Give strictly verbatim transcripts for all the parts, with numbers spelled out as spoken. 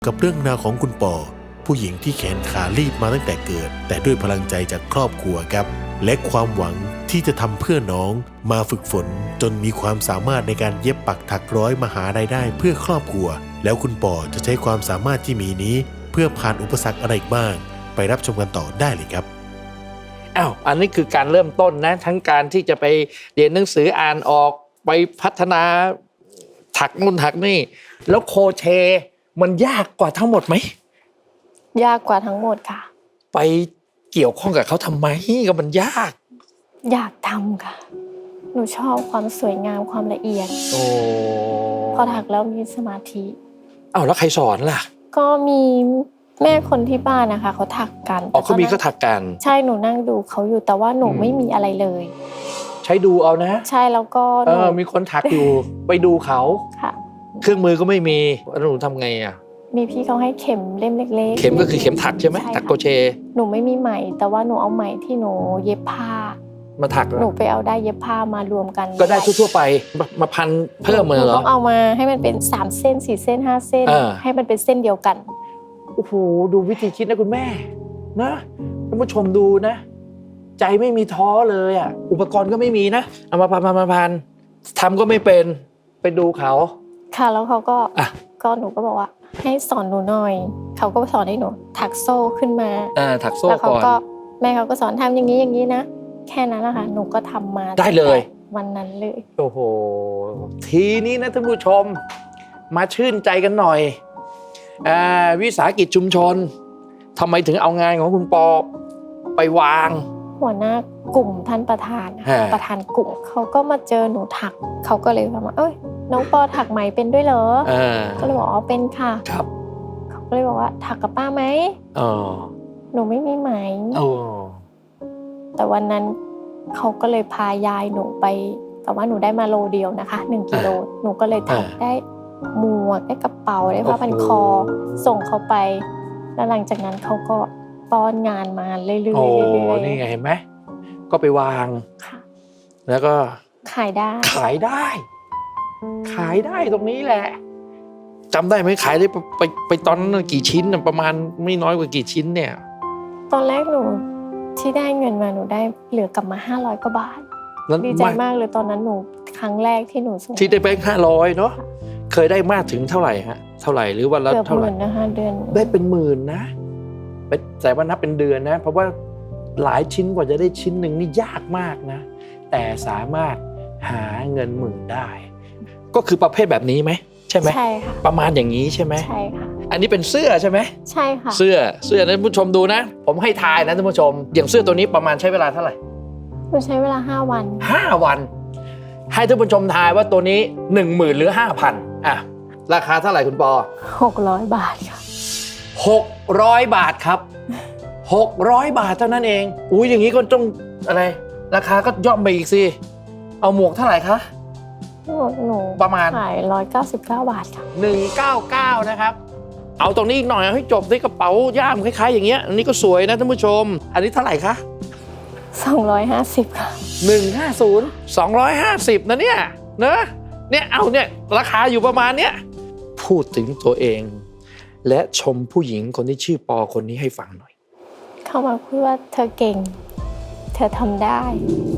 กับเรื่องราวของคุณปอผู้หญิงที่แขนขาลีบมาตั้งแต่เกิดแต่ด้วยพลังใจจากครอบครัวครับและความหวังที่จะทำเพื่อน้องมาฝึกฝนจนมีความสามารถในการเย็บปักถักร้อยมาหารายได้เพื่อครอบครัวแล้วคุณปอจะใช้ความสามารถที่มีนี้เพื่อผ่านอุปสรรคอะไรบ้างไปรับชมกันต่อได้เลยครับอ้าวอันนี้คือการเริ่มต้นนะทั้งการที่จะไปเรียนหนังสืออ่านออกไปพัฒนาถักนู่นถักนี่แล้วโครเชต์มันยากกว่าทั้งหมดไหมยากกว่าทั้งหมดค่ะไปเกี่ยวข้องกับเขาทำไมก็มันยากอยากทำค่ะหนูชอบความสวยงามความละเอียดโอ้พอถักแล้วมีสมาธิอ้าวแล้วใครสอนล่ะก็มีแม่คนที่บ้านนะคะเขาถักกันอ๋อเขามีเขาถักกันใช่หนูนั่งดูเขาอยู่แต่ว่าหนูไม่มีอะไรเลยใช้ดูเอานะใช่แล้วก็เออมีคนถักอยู่ ไปดูเขาค่ะเครื่องมือก็ไม่มีแล้วหนูทำไงอ่ะมีพี่เขาให้เข็มเล่มเล็กๆเข็มก็คือเข็มถักใช่ไหมถักโครเชต์หนูไม่มีไหมแต่ว่าหนูเอาไหมที่หนูเย็บผ้ามาถักหนูไปเอาได้เย็บผ้ามารวมกันก็ได้ทั่วๆไปมาพันเพิ่มมาเหรอต้องเอามาให้มันเป็นสามเส้นสี่เส้นห้าเส้นให้มันเป็นเส้นเดียวกันโอ้โหดูวิธีคิดนะคุณแม่นะท่านผู้ชมดูนะใจไม่มีท้อเลยอ่ะอุปกรณ์ก็ไม่มีนะเอามาพันมาพันทำก็ไม่เป็นไปดูเขาค่ะแล้วเขาก็ก็หนูก็บอกว่าให้สอนหนูหน่อยเขาก็สอนให้หนูถักโซ่ขึ้นมาอ่าถักโซ่ก่อนแล้วเขาก็แม่เขาก็สอนทำอย่างนี้อย่างนี้นะแค่นั้นแหละค่ะหนูก็ทำมาได้เลยวันนั้นเลยโอ้โหทีนี้นะท่านผู้ชมมาชื่นใจกันหน่อยอ่าวิสาหกิจชุมชนทำไมถึงเอางานของคุณปอไปวางหัวหน้ากลุ่มท่านประธานประธานกลุ่มเขาก็มาเจอหนูถักเขาก็เลยบอกว่าเอ้ยน้องปอถักไหมเป็นด้วยเหรอก็เลยบอกอ๋อเป็นค่ะครับเขาก็เลยบอกว่าถักกับป้าไหมอ๋อหนูไม่มีไหมอ๋อแต่วันนั้นเขาก็เลยพายายหนูไปแต่ว่าหนูได้มาโลเดียวนะคะหนึ่งกิโลหนูก็เลยถักได้หมวกได้กระเป๋าได้ผ้าพันคอส่งเขาไปแล้วหลังจากนั้นเขาก็ป้อนงานมาเรื่อยๆเรื่อยๆนี่ไงเห็นไหมก็ไปวางแล้วก็ขายได้ขายได้ขายได้ตรงนี้แหละจำได้ไหมขายได้ไปไปตอนนั้นกี่ชิ้นประมาณไม่น้อยกว่ากี่ชิ้นเนี่ยตอนแรกหนูที่ได้เงินมาหนูได้เหลือกลับมาห้าร้อยกว่าบาทดีใจมากเลยตอนนั้นหนูครั้งแรกที่หนูส่งที่ได้แบงค์ห้าร้อยเนาะเคยได้มากถึงเท่าไหร่ฮะเท่าไหร่หรือวันละเท่าไหร่เกือบหมื่นนะคะเดือนได้เป็นหมื่นนะแต่ว่านับเป็นเดือนนะเพราะว่าหลายชิ้นกว่าจะได้ชิ้นหนึ่งนี่ยากมากนะแต่สามารถหาเงินหมื่นได้ก็คือประเภทแบบนี้ไหมใช่ไหมใช่ค่ะประมาณอย่างนี้ใช่ไหมใช่ค่ะอันนี้เป็นเสื้อใช่ไหมใช่ค่ะเสื้อเสื้อท่านผู้ชมดูนะผมให้ทายนะท่านผู้ชมอย่างเสื้อตัวนี้ประมาณใช้เวลาเท่าไหร่หนูใช้เวลาห้าวันห้าวันให้ท่านผู้ชมทายว่าตัวนี้หนึ่งหมื่นหรือห้าพันอ่ะราคาเท่าไหร่คุณปอหกร้อยบาทค่ะหกร้อยบาทครับหกร้อยบาทเท่านั้นเองอุ้ยอย่างนี้ก็ต้องอะไรราคาก็ย่อมไปอีกสิเอาหมวกเท่าไหร่คะหมวกหนูประมาณขายหนึ่งร้อยเก้าสิบเก้าบาทค่ะหนึ่งร้อยเก้าสิบเก้านะครับเอาตรงนี้อีกหน่อยให้จบที่กระเป๋าย่ามคล้ายๆอย่างเงี้ยอันนี้ก็สวยนะท่านผู้ชมอันนี้เท่าไหร่คะสองร้อยห้าสิบค่ะหนึ่งห้าศูนย์ สองร้อยห้าสิบนะเนี่ยนะเนี่ยเอาเนี่ยราคาอยู่ประมาณเนี้ยพูดถึงตัวเองและชมผู้หญิงคนที่ชื่อปอคนนี้ให้ฟังหน่อยเขามาพูดว่าเธอเก่งเธอทำได้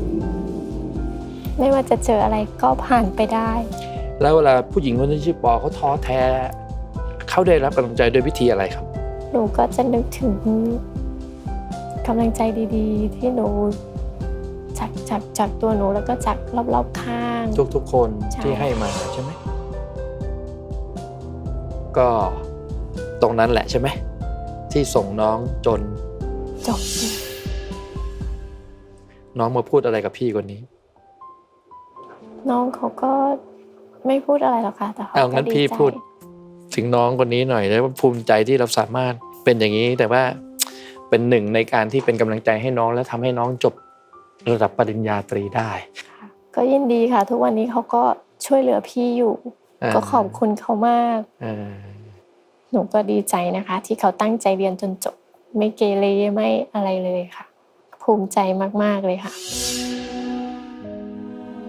ไม่ว่าจะเจออะไรก็ผ่านไปได้แล้วเวลาผู้หญิงคนที่ชื่อปอเขาท้อแท้เขาได้รับกำลังใจด้วยวิธีอะไรครับหนูก็จะนึกถึงกำลังใจดีๆที่หนูจากจากจากตัวหนูแล้วก็จากรอบๆข้างทุกๆคนที่ให้มาใช่ไหมก็ตรงนั้นแหละใช่ไหมที่ส่งน้องจนจบน้องมาพูดอะไรกับพี่คนนี้น้องเขาก็ไม่พูดอะไรหรอกค่ะแต่เขาเอางั้นพี่พูดถึงน้องคนนี้หน่อยแล้วภูมิใจที่เราสามารถเป็นอย่างนี้แต่ว่าเป็นหนึ่งในการที่เป็นกำลังใจให้น้องและทำให้น้องจบระดับปริญญาตรีได้ก็ยินดีค่ะทุกวันนี้เขาก็ช่วยเหลือพี่อยู่ก็ขอบคุณเขามากหนูก็ดีใจนะคะที่เขาตั้งใจเรียนจนจบไม่เกเรไม่อะไรเลยค่ะภูมิใจมากๆเลยค่ะ